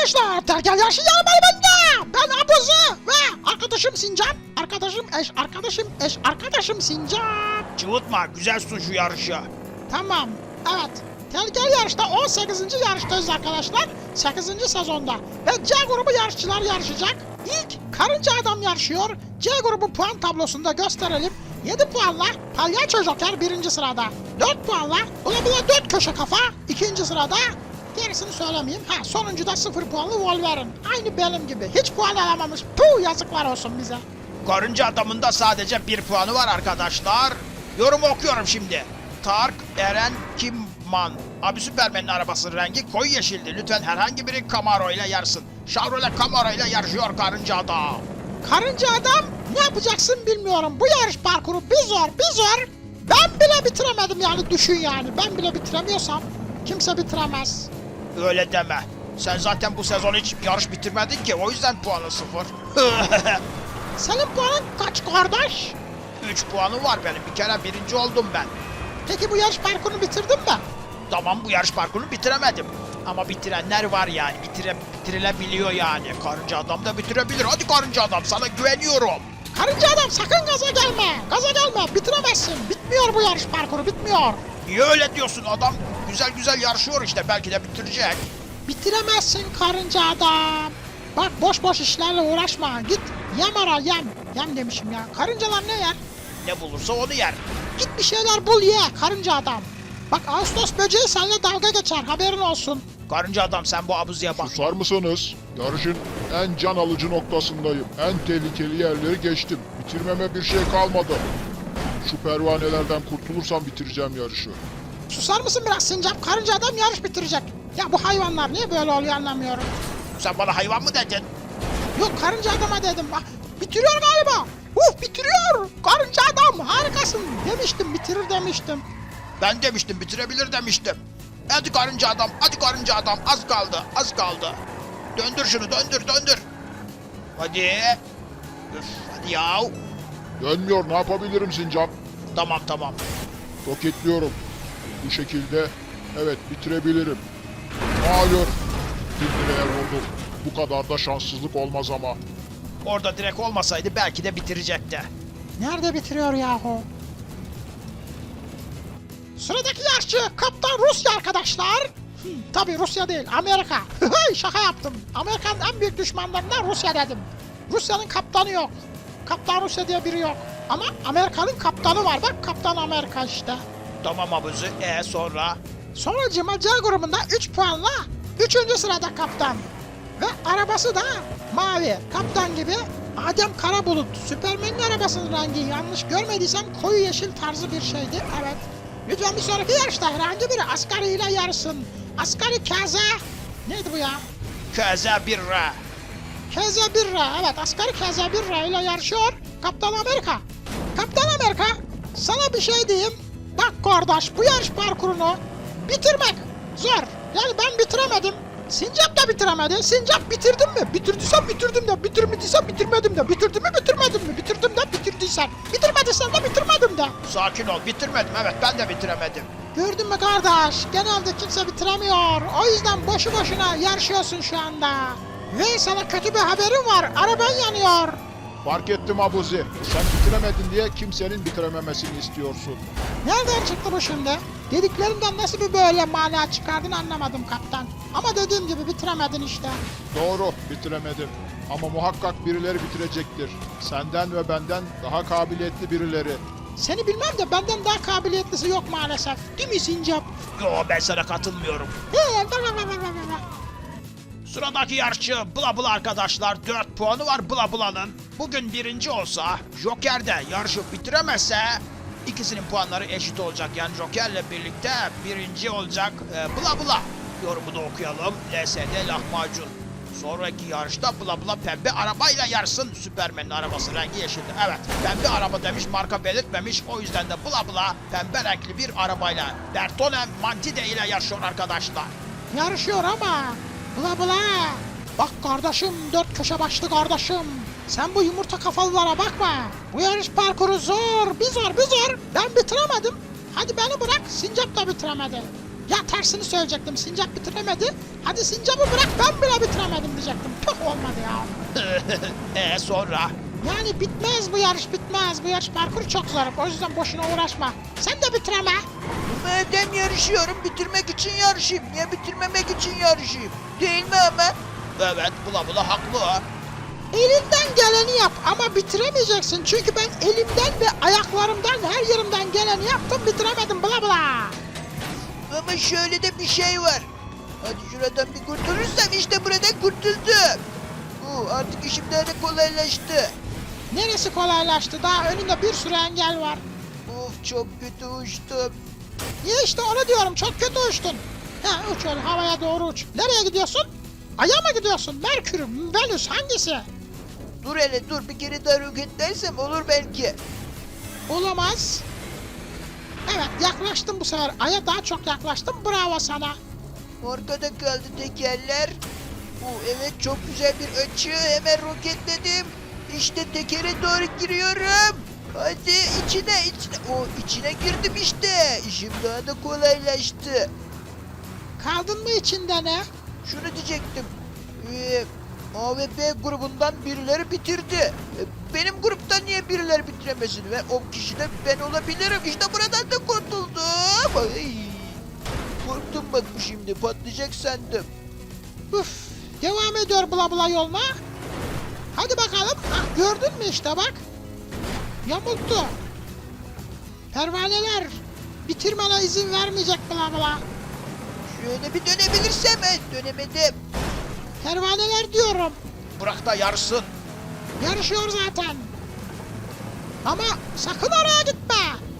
arkadaşlar, Terkel Yarışı yarışmayı bende. Ben Abuzi ve arkadaşım Sincap. Arkadaşım Sincap. Cıvıtma, güzel sun şu yarışı. Tamam, evet. Terkel Yarış'ta 18. yarıştayız arkadaşlar. 8. sezonda. Ve C grubu yarışçılar yarışacak. İlk Karınca Adam yarışıyor. C grubu puan tablosunda gösterelim. 7 puanla Palyaço Joker 1. sırada. 4 puanla Bula Bula 4 köşe kafa 2. sırada. Gerisini söylemeyeyim. Sonuncuda 0 puanlı Wolverine. Aynı benim gibi. Hiç puan alamamış. Puh, yazıklar olsun bize. Karınca adamın da sadece 1 puanı var arkadaşlar. Yorumu okuyorum şimdi. Tark Eren Kimman. Abi Süpermen'in arabasının rengi koyu yeşildi. Lütfen herhangi biri Camaro ile yarışsın. Chevrolet Camaro ile yarışıyor Karınca Adam. Karınca Adam, ne yapacaksın bilmiyorum. Bu yarış parkuru bir zor. Ben bile bitiremedim yani, düşün yani. Ben bile bitiremiyorsam kimse bitiremez. Öyle deme. Sen zaten bu sezon hiç yarış bitirmedin ki, o yüzden puanı 0. Senin puanın kaç kardeş? 3 puanı var benim. Bir kere birinci oldum ben. Peki bu yarış parkurunu bitirdin mi? Tamam, bu yarış parkurunu bitiremedim. Ama bitirenler var yani. Bitirilebiliyor yani. Karınca Adam da bitirebilir. Hadi Karınca Adam, sana güveniyorum. Karınca Adam, sakın gaza gelme. Gaza gelme, bitiremezsin. Bitmiyor bu yarış parkuru, bitmiyor. Niye öyle diyorsun? Adam güzel yarışıyor işte. Belki de bitirecek. Bitiremezsin Karınca Adam. Bak, boş işlerle uğraşma. Git yem ara, yem. Yem demişim ya. Karıncalar ne yer? Ne bulursa onu yer. Git bir şeyler bul ye Karınca Adam. Bak, Ağustos böceği seninle dalga geçer, haberin olsun. Karınca Adam, sen bu abuziye bak. Susar mısınız? Yarışın en can alıcı noktasındayım. En tehlikeli yerleri geçtim. Bitirmeme bir şey kalmadı. Şu pervanelerden kurtulursam bitireceğim yarışı. Susar mısın biraz Sincap? Karınca Adam yarış bitirecek. Ya bu hayvanlar niye böyle oluyor anlamıyorum. Sen bana hayvan mı dedin? Yok, Karınca Adam'a dedim. Bak, bitiriyor galiba. Bitiriyor. Karınca Adam harikasın bitirir demiştim. Ben demiştim, bitirebilir demiştim. Hadi Karınca Adam, az kaldı. Döndür şunu, döndür. Hadi. Üf, hadi yav. Dönmüyor, ne yapabilirim Sincap? Tamam. Roketliyorum. Bu şekilde evet bitirebilirim. Hayır. Bir direğe vurdum. Bu kadar da şanssızlık olmaz ama. Orada direkt olmasaydı belki de bitirecekti. Nerede bitiriyor yahu? Sıradaki yarışçı Kaptan Rusya arkadaşlar. Tabii Rusya değil, Amerika. Şaka yaptım. Amerika'nın en büyük düşmanlarından Rusya dedim. Rusya'nın kaptanı yok. Kaptan Rusya diye biri yok. Ama Amerika'nın kaptanı var. Bak, Kaptan Amerika işte. Tamam abuzi, sonra? Sonracığıma C grubunda 3 puanla 3. sırada kaptan. Ve arabası da mavi. Kaptan gibi Adem Karabulut. Süpermen'in arabasının rengi, yanlış görmediysem koyu yeşil tarzı bir şeydi. Evet. Lütfen bir sonraki yarışta herhangi biri Asgari ile yarışsın. Asgari Kaze. Neydi bu ya? Köze birra. Kaze Birra. Evet, Asgari Kaze Birra ile yarışıyor Kaptan Amerika. Kaptan Amerika, sana bir şey diyeyim. Bak kardeş, bu yarış parkurunu bitirmek zor. Yani ben bitiremedim. Sincap da bitiremedi. Sincap bitirdin mi? Bitirdiysem bitirdim de. Bitirmediysem bitirmedim de. Bitirdim mi bitirmedim mi? Bitirdim de bitirdiysen. Bitirmediysen de bitirmedim de. Sakin ol, bitirmedim, evet, ben de bitiremedim. Gördün mü kardeş? Genelde kimse bitiremiyor. O yüzden boşu boşuna yarışıyorsun şu anda. Ve sana kötü bir haberim var. Araban yanıyor. Fark ettim Abuzi. Sen bitiremedin diye kimsenin bitirememesini istiyorsun. Nereden çıktı bu şimdi? Dediklerimden nasıl bir böyle mana çıkardın anlamadım kaptan. Ama dediğim gibi bitiremedin işte. Doğru, bitiremedim. Ama muhakkak birileri bitirecektir. Senden ve benden daha kabiliyetli birileri. Seni bilmem de benden daha kabiliyetlisi yok maalesef. Değil mi Sincap? Yo, ben sana katılmıyorum. Sıradaki yarışçı Bula arkadaşlar, 4 puanı var Bula'nın. Bugün birinci olsa, Joker de yarışı bitiremezse ikisinin puanları eşit olacak. Yani Joker'le birlikte birinci olacak Bula. Yorumu da okuyalım. LSD lahmacun. Sonraki yarışta Bula pembe arabayla yarışsın. Süpermen'in arabası rengi yeşildi. Evet, pembe araba demiş, marka belirtmemiş. O yüzden de Bula pembe renkli bir arabayla Bertone Mantide ile yarışıyor arkadaşlar. Yarışıyor ama Bula. Bak kardeşim, 4 köşe başlı kardeşim. Sen bu yumurta kafalılara bakma. Bu yarış parkuru zor. Bir zor. Ben bitiremedim. Hadi beni bırak. Sincap da bitiremedi. Ya tersini söyleyecektim. Sincap bitiremedi. Hadi Sincap'ı bırak, ben bile bitiremedim. diyecektim. Tüh olmadı ya. Sonra? Yani bitmez bu yarış bitmez. Bu yarış parkuru çok zor. O yüzden boşuna uğraşma. Sen de bitireme. Madem yarışıyorum bitirmek için yarışayım. Niye bitirmemek için yarışayım? Değil mi Ahmet? Evet, bula haklı. Elinden geleni yap ama bitiremeyeceksin. Çünkü ben elimden ve ayaklarımdan her yerimden geleni yaptım bitiremedim bla bla. Ama şöyle de bir şey var. Hadi şuradan bir kurtulursam işte buradan kurtuldum. Artık işim daha da kolaylaştı. Neresi kolaylaştı? Daha önünde bir sürü engel var. Of çok kötü uçtum. Ya işte onu diyorum çok kötü uçtun. Ha uç öyle havaya doğru uç. Nereye gidiyorsun? Ay'a mı gidiyorsun? Merkür, Venüs hangisi? Dur hele dur bir kere daha roketlersem olur belki. Olamaz. Evet yaklaştım bu sefer. Ay'a daha çok yaklaştım. Bravo sana. Arkada kaldı tekerler. Evet çok güzel bir açı. Hemen roketledim. İşte tekere doğru giriyorum. Hadi içine. İçine girdim işte. İşim daha da kolaylaştı. Kaldın mı içinde ne? Şunu diyecektim. A ve B grubundan birileri bitirdi. Benim gruptan niye birileri bitiremesin? Ve o kişi de ben olabilirim. İşte buradan da kurtuldum. Ay. Korktum bak bu şimdi patlayacak sandım. Üf, devam ediyor bla bla yoluna. Hadi bakalım. Ah, gördün mü işte bak. Yamulttu. Pervaneler bitirmene izin vermeyecek bla bla. Şöyle bir dönebilirsem dönemedim. Pervaneler diyorum. Bırak da yarışsın. Yarışıyor zaten. Ama sakın oraya gitme.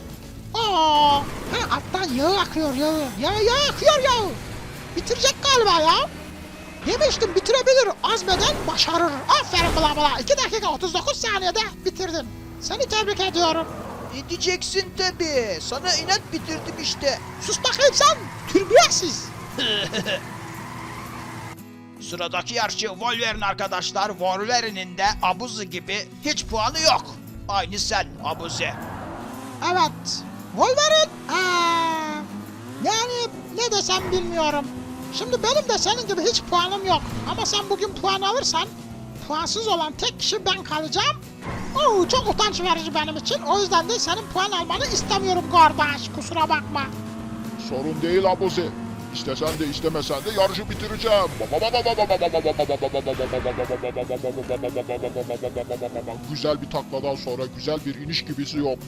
Ha, alttan yağı akıyor yağı. Yağı akıyor yağı. Bitirecek galiba ya. Demiştim bitirebilir. Azmeden başarır. Aferin bla bla. 2 dakika 39 saniyede bitirdin. Seni tebrik ediyorum. Ne diyeceksin tabi. Sana inat bitirdim işte. Sus bakayım sen. Türbiyesiz. Sıradaki yarışçı Wolverine arkadaşlar. Wolverine'in de Abuzi gibi hiç puanı yok. Aynı sen Abuzi. Evet. Wolverine. Yani ne desem bilmiyorum. Şimdi benim de senin gibi hiç puanım yok. Ama sen bugün puan alırsan puansız olan tek kişi ben kalacağım. Çok utanç verici benim için. O yüzden de senin puan almanı istemiyorum kardeş. Kusura bakma. Sorun değil Abuzi. İstesen de istemesen de yarışı bitireceğim. Güzel bir takladan sonra güzel bir iniş gibisi yok.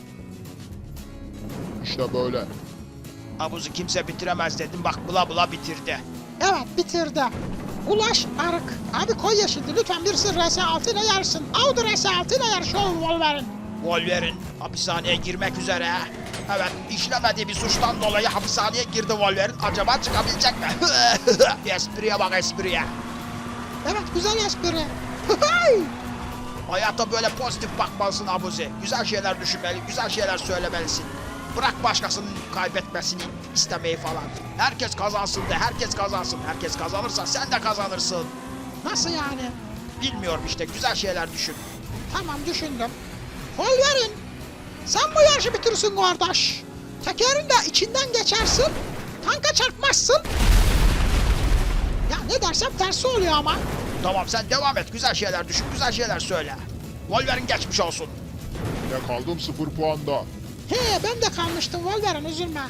İşte böyle. Abuzi kimse bitiremez dedim. Bak bula bitirdi. Evet bitirdi. Ulaş Arık. Abi koy yeşildi. Lütfen birisi RS6 ile yarışsın. Audi RS6 ile yarışıyor Wolverine. Wolverine hapishaneye girmek üzere. Evet, işlemediği bir suçtan dolayı hapishaneye girdi Wolverine. Acaba çıkabilecek mi? Espriye bak espriye. Evet güzel espri. Hayata böyle pozitif bakmalısın Abuzi. Güzel şeyler düşünmeli, güzel şeyler söylemelisin. Bırak başkasının kaybetmesini istemeyi falan. Herkes kazansın de, herkes kazansın. Herkes kazanırsa sen de kazanırsın. Nasıl yani? Bilmiyorum işte, güzel şeyler düşün. Tamam düşündüm. Wolverine. Sen bu yarışı bitirsin kardeş. Tekerin de içinden geçersin. Tanka çarpmazsın. Ya ne dersem tersi oluyor ama. Tamam sen devam et, güzel şeyler düşün, güzel şeyler söyle. Wolverine geçmiş olsun. Ne kaldım 0 puanda. Ben de kalmıştım Wolverine üzülme.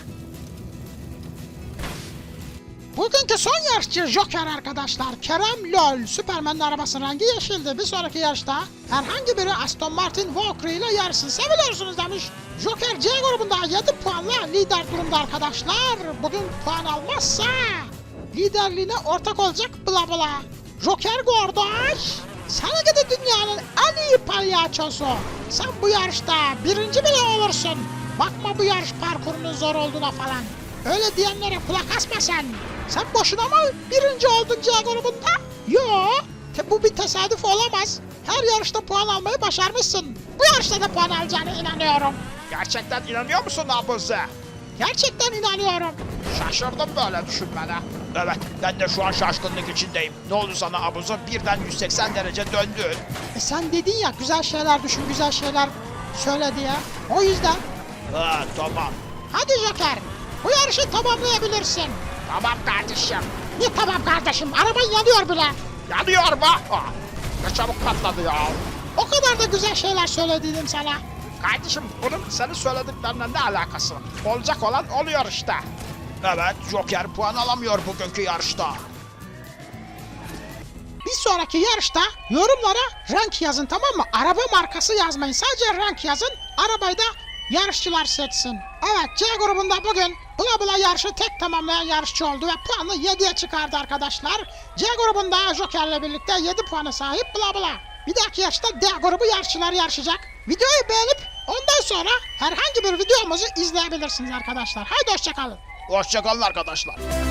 Bugünkü son yarışçı Joker arkadaşlar. Kerem Lol. Superman'in arabasının rengi yeşildi. Bir sonraki yarışta herhangi biri Aston Martin Valkyrie ile yarışsın. Seviyorsunuz demiş. Joker C grubunda 7 puanla lider durumda arkadaşlar. Bugün puan almazsa liderliğine ortak olacak bla bla. Joker kardeş. Sana gidi dünyanın en iyi palyaçosu. Sen bu yarışta birinci bile olursun. Bakma bu yarış parkurunun zor olduğuna falan. Öyle diyenlere kulak asma sen. Sen boşuna mı birinci oldun C grubunda? Yo, bu bir tesadüf olamaz. Her yarışta puan almayı başarmışsın. Bu yarışta da puan alacağına inanıyorum. Gerçekten inanıyor musun Abuzi? Gerçekten inanıyorum. Şaşırdım böyle düşünmene. Evet, ben de şu an şaşkınlık içindeyim. Ne oldu sana Abuzi? Birden 180 derece döndün. Sen dedin ya güzel şeyler düşün, güzel şeyler söyle diye. O yüzden. Ha, tamam. Hadi Joker, bu yarışı tamamlayabilirsin. Tamam kardeşim. Ne tamam kardeşim, araban yanıyor bile. Yanıyor mu? Ne çabuk patladı ya. O kadar da güzel şeyler söylediydim sana. Kardeşim bunun senin söylediklerinden ne alakası var? Olacak olan oluyor işte. Evet, Joker puan alamıyor bugünkü yarışta. Bir sonraki yarışta yorumlara renk yazın, tamam mı? Araba markası yazmayın. Sadece renk yazın. Arabayı da yarışçılar seçsin. Evet, C grubunda bugün Bula Bula yarışı tek tamamlayan yarışçı oldu ve puanı 7'ye çıkardı arkadaşlar. C grubunda Joker'le birlikte 7 puana sahip Bula Bula. Bir dahaki yarışta D grubu yarışçılar yarışacak. Videoyu beğenip ondan sonra herhangi bir videomuzu izleyebilirsiniz arkadaşlar. Haydi hoşçakalın. Hoşçakalın arkadaşlar.